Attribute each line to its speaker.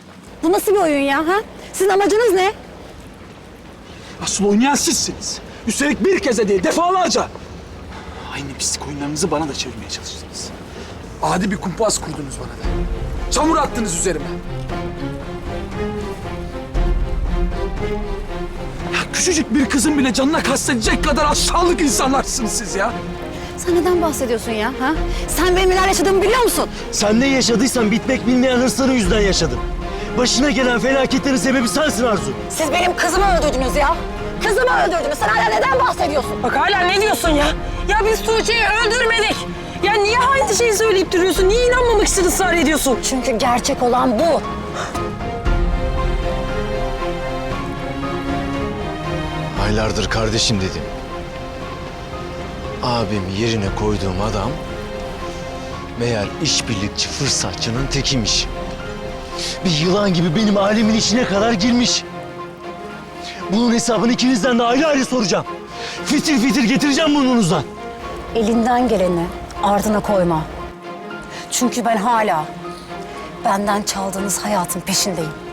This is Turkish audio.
Speaker 1: Bu nasıl bir oyun ya ha? Sizin amacınız ne?
Speaker 2: Asıl oynayan sizsiniz. Üstelik bir kez de değil, defalarca. Aynı pislik oyunlarınızı bana da çevirmeye çalıştınız. Adi bir kumpas kurdunuz bana da. Çamur attınız üzerime. Ya küçücük bir kızın bile canına kastedecek kadar aşağılık insanlarsınız siz ya.
Speaker 1: Sen neden bahsediyorsun ya ha? Sen benim neler yaşadığımı biliyor musun?
Speaker 3: Sen ne yaşadıysan bitmek bilmeyen hırsların yüzünden yaşadın. Başına gelen felaketlerin sebebi sensin Arzu.
Speaker 1: Siz benim kızımı öldürdünüz ya. Kızımı öldürdünüz. Sen hala neden bahsediyorsun?
Speaker 4: Bak hala ne diyorsun ya? Ya biz Tuğçe'yi öldürmedik. Ya niye aynı şeyi söyleyip duruyorsun? Niye inanmamak için ısrar ediyorsun?
Speaker 1: Çünkü gerçek olan bu.
Speaker 3: Aylardır kardeşim dedim. Abim yerine koyduğum adam meğer işbirlikçi fırsatçının tekiymiş. Bir yılan gibi benim ailemin içine kadar girmiş. Bunun hesabını ikinizden de ayrı ayrı soracağım. Fitil fitil getireceğim burnunuzdan.
Speaker 1: Elinden geleni ardına koyma. Çünkü ben hala benden çaldığınız hayatın peşindeyim.